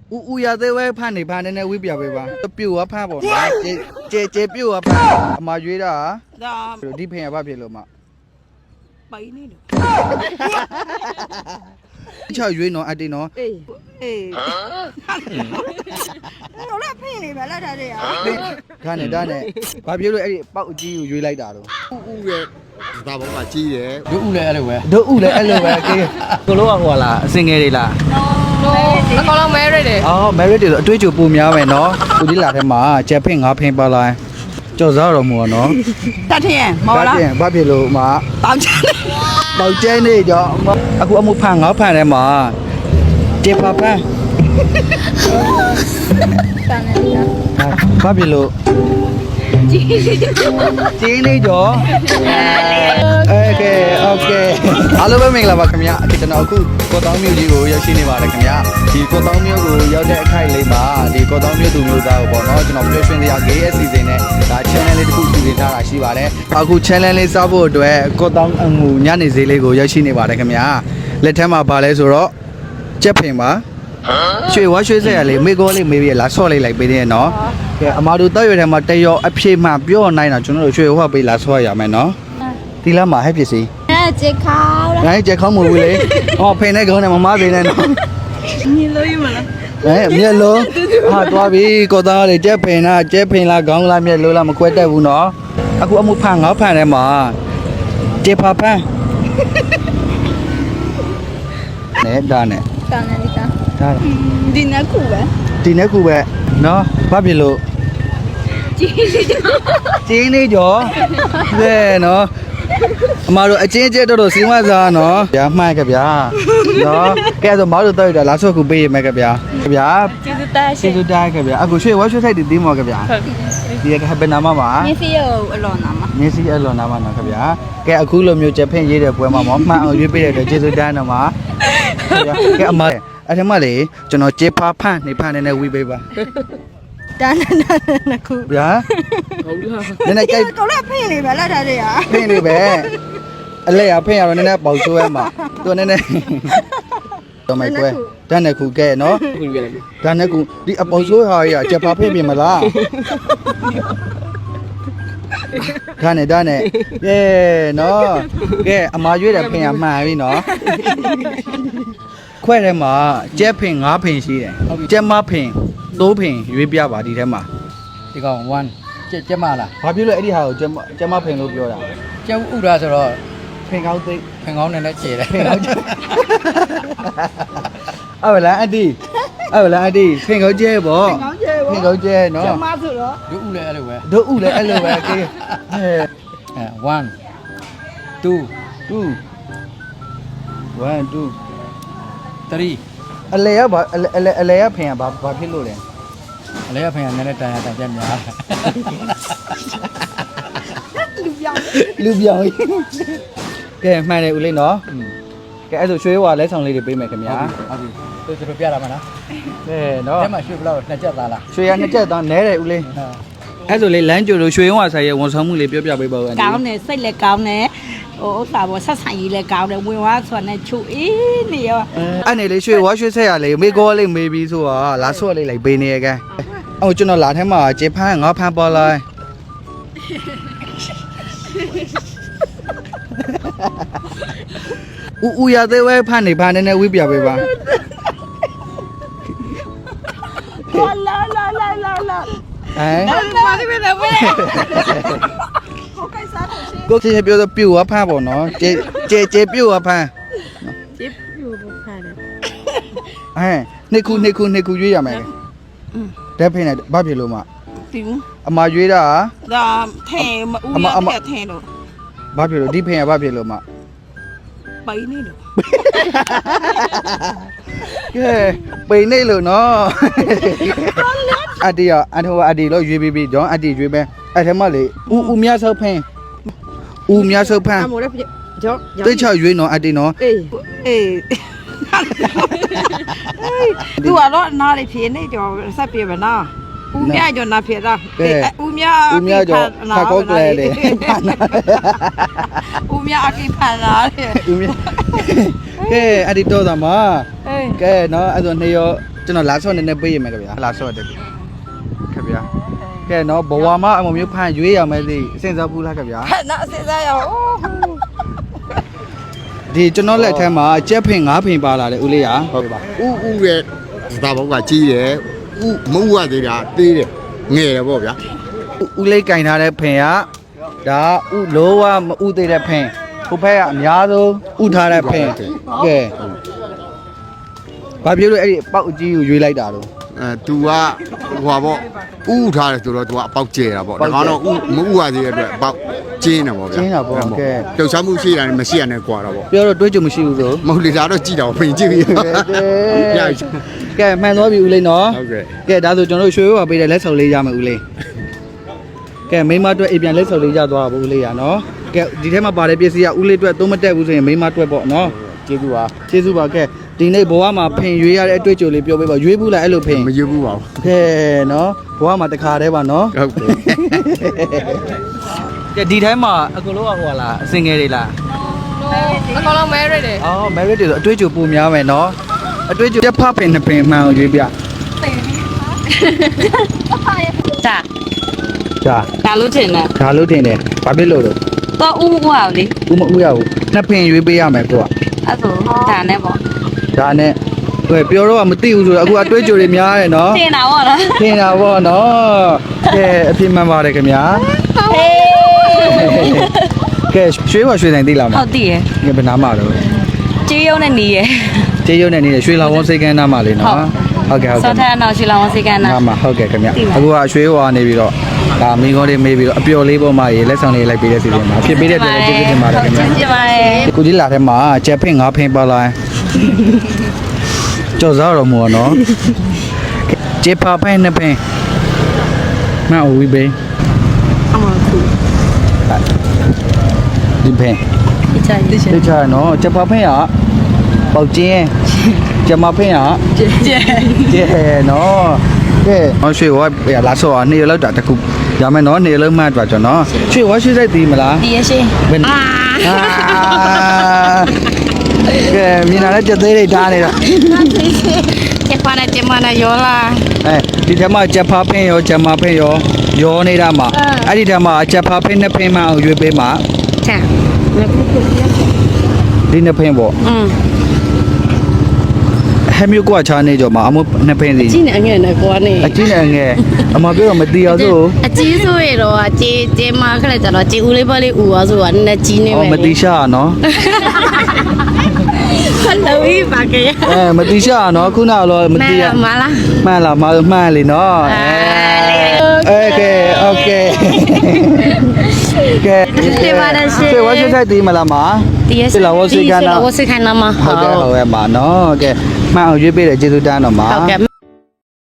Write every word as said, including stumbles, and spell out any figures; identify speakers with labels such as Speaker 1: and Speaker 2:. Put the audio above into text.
Speaker 1: ဦးဦးရသေးဝဲဖန်နေဖန်နေနဲ့ဝိပြပေးပါပြူဝဖန်ပေါ့နော်ကျေကျေကျေပြူဝဖန်အမရွေးတာဒါဒီဖင်ရပါဖြစ်လို့မပိုင်နေလို့ချောက်ရွေးနော်အတေးနော်အေးအေးတော့လည်းဖင်နေပါလားဒါတွေကဒါနဲ့ဒါနဲ့ဘာပြောလို့အဲ့ဒီပေါက်အကြီးကိုရွေးလိုက်တာတော့ဦးဦးရဲ့ဒါဘောကကြီးတယ်ဒုဥလည်းအဲ့လိုပဲဒုဥလည်းအဲ့လိုပဲကေကိုလိုကဟိုလားအစင်ငယ်တွေလား
Speaker 2: အကောင်လုံး merit တယ်
Speaker 1: အော် merit တွေဆိုအတွေ့အကြုံပိုများမယ်နော်ဦးဒီလာထဲမှာချက်ဖင်ငါဖင်ပါလာကြော်စားတော်မူပါနော်
Speaker 2: တတ်ထင်မော်လား
Speaker 1: တတ်ထင်ဘာဖြစ်လို့မ
Speaker 2: ပေါင်ချမ်း
Speaker 1: ပေါင်ကျဲနေကြောအခုအမှုဖန်ငါဖန်ထဲမှာတေပါဖန်
Speaker 2: တန်နေတာ
Speaker 1: ဘာဖြစ်လို့
Speaker 2: ကြီး
Speaker 1: ကြီးနေကြောโอเคโอเคအားလုံးပဲမင်္ဂလာပါခင်ဗျာအခုကျွန်တော်အခုကော့တောင်းမြို့ကြီးကိုရောက်ရှိနေပါတယ်ခင်ဗျာဒီကော့တောင်းမြို့ကိုရောက်တဲ့အခိုက်လေးမှာဒီကော့တောင်းမြို့သူမျိုးသားကိုပေါ့နော်ကျွန်တော်ပြောရှင်တရား G S စီစဉ်နဲ့ဒါ channel လေးတစ်ခုစီစဉ်ထားတာရှိပါတယ်အခု channel လေးစားဖို့အတွက်ကော့တောင်းအငူညနေဈေးလေးကိုရောက်ရှိနေပါတယ်ခင်ဗျာလက်ထက်မှာပါလဲဆိုတော့ကြက်ဖင်ပါရွှေဝါရွှေဆက်ရလေးမေကောလေးမေးပြီးလာဆော့လိုက်လိုက်ပေးသေးရဲ့နော်ကဲအမာတို့တောက်ရွယ်ထဲမှာတရောအဖြေမှပြောနိုင်တာကျွန်တော်တို့ရွှေဝါပေးလာဆော့ရမယ်နော်ဒီလားမှာဟဲ့ပစ္စည်း
Speaker 2: အဲဂျက်ခေါင်း
Speaker 1: ငါကြက်ခေါင်းမဟုတ်ဘူးလေဟောဖိနေခေါင်းနဲ့မမသေးနဲ့နော်
Speaker 2: မြင်လို့ရမလား
Speaker 1: အဲမျက်လုံးဟာသွားပြီကောသားလေးကြက်ဖိနာကြက်ဖိလာခေါင်းလားမျက်လုံးလားမခွဲတတ်ဘူးနော်အခုအမှုဖန်ငေါဖန်ထဲမှာကြက်ဖဖန်နဲ့ဒါနဲ့
Speaker 2: တန်နေတာ
Speaker 1: ဒါ
Speaker 2: ဒီနေ့ခုပဲ
Speaker 1: ဒီနေ့ခုပဲနော်ဘာဖြစ်လို့
Speaker 2: ကြီး
Speaker 1: ကြီးနေကြောကဲနော်အမတို့အချင်းချင်းတော်တော်စီမစားနော်ဗျာမှန်ကြဗျာနော်ကဲဆိုမတို့တော့လာဆော့ခုပေးရမယ်ကြဗျာဗျာ
Speaker 2: ကျေးဇူးတင်
Speaker 1: ကျေးဇူးတင်ကြဗျာအခုရွှေဝါရွှေထိုက်တီးမော်ကြဗျာဒီကဘယ်နာမမှာ
Speaker 2: မျက်စိရောအလွန်နာမ
Speaker 1: မျက်စိအလွန်နာမနော်ကြဗျာကဲအခုလိုမျိုးချက်ဖင်ရေးတဲ့ပွဲမှာမောမှန်အောင်ရွေးပေးတဲ့အတွက်ကျေးဇူးတင်တော့မှာကဲအမအဲ့ဒီမှာလေကျွန်တော်ကျေဖာဖန့်နေဖန့်နေနဲ့ဝီပေးပါ
Speaker 2: တန်းတန်းနခု
Speaker 1: ဗျာဟုတ်လားနည်းနည်းကြိုက်
Speaker 2: တော့လည်းဖင်နေပဲလားဒါတွေက
Speaker 1: ဖင်နေပဲအလဲရဖင်ရတော့နည်းနည်းပေါက်ဆိုးရမှာသူနည်းနည်းတော့မိုက်ကွယ်တန်းနေခုကဲနော်တန်းနေခုဒီအပေါက်ဆိုးဟာရချက်ဖာဖင်ပြင်မလားဒါနဲ့ဒါနဲ့ကဲနော်ကဲအမာရွေးတယ်ဖင်ရမှန်ပြီနော်ခွဲထဲမှာကျက်ဖင်ငါးဖင်ရှိတယ်ကျက်မဖင်တိုးဖင်ရွေးပြပါဒီထဲမှာဒီကောင်oneကျက်ကျက်မလားဘာဖြစ်လို့အဲ့ဒီဟာကိုကျက်ကျက်မဖင်လို့ပြောတာကျက်ဥဒါဆိုတော့ဖင်ကောင်းသိဖင်ကောင်းနဲ့လည်းကျဲတယ်ဖင်ကောင်းကျဲအဲ့ဗလားအတီအဲ့ဗလားအတီဖင်ကောင်းကျဲပေါ့ဖင်ကောင်းကျဲနော်
Speaker 2: ကျက်မဆိုတော့
Speaker 1: ဒုဥလည်းအဲ့လိုပဲဒုဥလည်းအဲ့လိုပဲကေးအဲone two two one two threeအလဲရဘာအလဲအလဲရဖင်ရဘာဘာဖြစ်လို့လဲအလဲရဖင်ရနည်းနည်းတန်ရတန်ပြများ
Speaker 2: လူပြောင်း
Speaker 1: လူပြောင်းကဲမှန်တယ်ဦးလေးနော်ကဲအဲ့ဆိုရွှေဝါလဲဆောင်လေးတွေပေးမယ်ခင်ဗျာဟုတ်ပြီသူတို့ပြရမှာနော်ကဲနော်အဲ့မှာရွှေဘလောက်နှစ်ချက်သားလားရွှေရနှစ်ချက်သားနဲတယ်ဦးလေးအဲ့ဆိုလေလမ်းကြိုလို့ရွှေဝါဆိုင်ရဲ့ဝန်ဆောင်မှုလေးပြောပြပေးပါဦး
Speaker 2: ကောင်းတယ်စိတ်လည်းကောင်းတယ်ဟိုဥစ္စာပေါ်ဆက်ဆိုင်ကြီးလည်းကောင်းတယ်ဝင်သွားဆိုတော့ချူအေးနေရော
Speaker 1: အဲ့နေလေရွှေဝါရွှေဆက်ရလေမေကောလေးမေးပြီးဆိုတော့လာဆော့လေးလိုက်ပေးနေရကဲအော်ကျွန်တော်လာထဲမှာကျေဖန်းငါဖန်းပေါ်လာဦးဦးရသေးဝဲဖန်းနေဖန်းနေနဲ့ဝိပြပေးပါ
Speaker 2: လာလာလာလာလာ
Speaker 1: ဟမ်
Speaker 2: ဘာဒီမဲ့လဲဝဲ
Speaker 1: ကိုယ်ချင်းပြောတော့ပြူဝဖန်းပေါ့နော်ကျေကျေကျေပြူဝဖန်း
Speaker 2: ကျေပြူဝဖန်းတယ်
Speaker 1: ဟဲ့နှစ်ခုနှစ်ခုနှစ်ခုရွေးရမယ်ဓာတ်ဖိနေဘာဖြစ်လို့မ
Speaker 2: ဒီဘူး
Speaker 1: အမရွေးတာ
Speaker 2: ဒါထဲဦးရထဲထဲလို့
Speaker 1: ဘာဖြစ်လို့ဒီဖိနေဘာဖြစ်လို့မ
Speaker 2: ပိနေလို့
Speaker 1: ကဲပိနေလို့နော်အတီရအထောအတီလို့ရွေးပြီးပြီးကြောင်းအတီရွေးပဲအဲ့ထဲမှာလေဦးဦးမြဆောက်ဖင်းဦးမြဆောက်ဖင်း
Speaker 2: အမိုးလည်းကြော
Speaker 1: တိတ်ချရွေးနော်အတီနော်
Speaker 2: အေးအေးသူကတော့နားလေးဖြေနေကြောဆက်ပြေမနော်ဦးမြကြောနာဖြေတာဦးမြ
Speaker 1: ဦးမြကြောခါကောကလေးလေ
Speaker 2: ဦးမြအကိဖန်လာတယ်
Speaker 1: ဦးမြကဲအတီတော့တာမကဲနော်အဲ့ဆိုနေရောကျွန်တော်လာဆော့နေနေပေးရမယ်ခင်ဗျာလာဆော့တယ်ခင်ဗျာကဲနော်ဘဝမှာအမမျိုးဖန်ရွေးရမယ်သိအစင်စားဘူးလားခင်ဗျာ
Speaker 2: ဟဲ့နော်စဉ်းစားရအောင်
Speaker 1: ဒီကျွန်တော်လက်ထဲမှာကြက်ဖင်ငါးဖင်ပါလာတယ်ဦးလေးရဟုတ်ပါ
Speaker 3: ဥဥရဲ့စတာဘောကကြီးတယ်ဥမဥရသေးတာသေးတယ်ငယ်တယ်ပေါ့ဗျာ
Speaker 1: ဦးလေးကင်ထားတဲ့ဖင်ကဒါဥလောဝမဥသေးတဲ့ဖင်ဟိုဘက်ကအများဆုံးဥထားတဲ့ဖင်ကဲဘာပြောလို့အဲ့ဒီပေါက်အကြီးကိုရွေးလိုက်တာတော့
Speaker 3: အဲ तू ကဟိုပါပေါ့ဥထားတယ်ဆိုတော့ तू ကအပေါက်ကျဲတာပေါ့ဒါကတော့ဥမဥရသေးတဲ့အတွက်အပေါက်ကျင်းတယ်ပေါ့ဗျာလှုပ်ရှားမှုရှိတာနဲ့မရှိရနဲ့ကွာတော့ပေါ့
Speaker 1: ပြောတော့တွေးကြမရှိဘူးဆို
Speaker 3: မဟုတ်လေဒါတော့ကြည့်တော့ပြင်ကြည့်ပြီရ
Speaker 1: ကဲမှန်သွားပြီဦးလေးနော်
Speaker 3: ဟုတ်ကဲ့
Speaker 1: ကဲဒါဆိုကျွန်တော်တို့ရွှေဘွားပေးတဲ့လက်ဆောင်လေးရမယ်ဦးလေးကဲမိမအတွက်အိမ်ပြန်လက်ဆောင်လေးရသွားပါဦးလေးရနော်ကဲဒီထဲမှာပါတဲ့ပစ္စည်းကဦးလေးအတွက်သုံးမတက်ဘူးဆိုရင်မိမအတွက်ပေါ့နော်
Speaker 3: ကျေးဇူးပါ
Speaker 1: ကျေးဇူးပါကဲဒီနေ့ဘဝမှာဖင်ရွေးရတဲ့အတွေ့အကြုံလေးပြောပေးပါရွေးဘူးလားအဲ့လိုဖင်
Speaker 3: မယူဘူးပါဘူး
Speaker 1: ကဲနော်ဘဝမှာတခါတည်းပါနော်
Speaker 3: ဟုတ်ကဲ့
Speaker 1: ကဲဒီထဲမှာအကုန်လုံးကဟိုလားအစင်ငယ်တွေလား
Speaker 2: အကောင်လုံးမဲရတဲ့
Speaker 1: အော် merit တွေဆိုအတွေ့အကြုံပုံများမယ်နော်အတွေ့အကြုံတစ်ဖက်ပင်နှစ်ပင်မှန်အောင်ရွေးပြ
Speaker 2: จ้ะ
Speaker 1: ကြာ
Speaker 4: ဒါလို့ထင်တယ်
Speaker 1: ဒါလို့ထင်တယ်ဘာဖြစ်လို့လဲ
Speaker 4: တော့ဥဥအောင်လေ
Speaker 1: ဦးမဦးရဘူးနှစ်ပင်ရွေးပေးရမယ်ကိုက
Speaker 4: အဲ့ဆိုဒါနဲ့ပေါ့
Speaker 1: ဒါနဲ့ဟဲ့ပြောတော့မသိဘူးဆိုတော့အခုအတွေ့အကြုံတွေများတယ်နော်
Speaker 4: ထင်တာပေါ့နော်
Speaker 1: ထင်တာပေါ့နော်ကဲအပြစ်မှန်ပါတယ်ခင်ဗျာ
Speaker 4: ဟေး
Speaker 1: ကဲရွှေဘွားရွှေဆိုင်သိလားမ
Speaker 4: ဟုတ်တည်ရယ်
Speaker 1: ကဲဘယ်နာမှာတော့
Speaker 4: ကြေးရုံနဲ့နေရယ်
Speaker 1: ကျေးရုံနဲ့နေတဲ့ရွှေလောင်ဝန်းစိတ်ကန်းနားမှာလေနော်ဟုတ်ကဲ့ဟုတ်
Speaker 4: စော
Speaker 1: ကဲ့
Speaker 4: ထက်အောင်ရှိလောင်းစိတ်ကန်းနာ
Speaker 1: နားမှာဟုတ်ကဲ့ခင်ဗျ
Speaker 4: သိပါ
Speaker 1: အခုကရွှေဘွားနေပြီးတော့ဒါမိကောလေးမေးပြီးတော့အပျော်လေးပေါ်မှာရေလက်ဆောင်လေးလိုက်ပေးတဲ့စီစဉ်မှာဖြစ်ပေးတဲ့အတွက်ကျေးဇူးတင်ပါတယ်ခင်ဗျာ
Speaker 4: ကျေးဇူးပါတယ်
Speaker 1: ကိုကြီးလာထဲမှာကျက်ဖင်ငါးဖင်ပါလာကြော်စားတော်မူနော်ကျေပါဖင်နှစ်ဖင်မအဝီဘေး
Speaker 4: အမခု
Speaker 1: ဒီဖင်
Speaker 4: ဒီချိုင်ဒီချိုင်
Speaker 1: တခြားနော်ကျက်ပါဖင်ကပေါက်ကျင်းကျမဖင်က
Speaker 4: ကျဲကျဲ
Speaker 1: ကျဲနော်ကဲဟောရွှေဝါလာဆောနေရလောက်တာတခုရမယ်နော်နေလုံးမှတ်သွားကျွန်တော်ရွှေဝါရွှေစိတ်တီးမလား
Speaker 4: ဒီရရှိ
Speaker 1: ဘယ်
Speaker 4: အာ
Speaker 1: ကဲမြင်လာတဲ့ကြက်သေးတွေထားနေတာ
Speaker 4: ကျပနာကျမနာယောလာ
Speaker 1: အဲဒီထဲမှာချက်ဖားဖင်းရောချက်မဖင်းရောရောနေတာမှာအဲ့ဒီထဲမှာချက်ဖားဖင်းနှစ်ဖင်းမှအောင်ရွေးပေးမှာ
Speaker 4: ချာ
Speaker 1: ဒီနှစ်ဖင်းပေါ့
Speaker 4: อืม
Speaker 1: ဟဲမျိုးကွာချာနေကြမှာအမနှစ်ဖင်းစီ
Speaker 4: ကြည့်နေအငယ်နဲ့ကွာနေ
Speaker 1: အကြီးနဲ့ငယ်အမပြောတော့မတီအောင်ဆို
Speaker 4: အကြီးဆိုရတော့ကြေးကြေးမခလိုက်ကြတော့ကြေးဦးလေးပါလေးဦးသွားဆိုတာနည်းကြီးနေ
Speaker 1: အော်
Speaker 4: မယ်
Speaker 1: မတီရှာနော်
Speaker 4: ခလို့ဤပါကရ
Speaker 1: အဲမတီရှာနော်ခုနကတော့မ
Speaker 4: မ
Speaker 1: တီရ
Speaker 4: မလား
Speaker 1: မှန်လားမမှန်လေနော်โอเคโอเคကဲ
Speaker 4: ကျေးပါရရှိ
Speaker 1: စေဝါရှိတဲ့တီးမလားမ
Speaker 4: ဒီရ
Speaker 1: စေလာဝစီကနာ
Speaker 4: ဝစီခနာမ
Speaker 1: ဟုတ်ကဲ့ဟုတ်ရဲ့မှာနော်ကဲမှန်အောင်ရွေးပေးတယ်ကျေးဇူးတန်းတော့မှာ
Speaker 4: ဟုတ်ကဲ့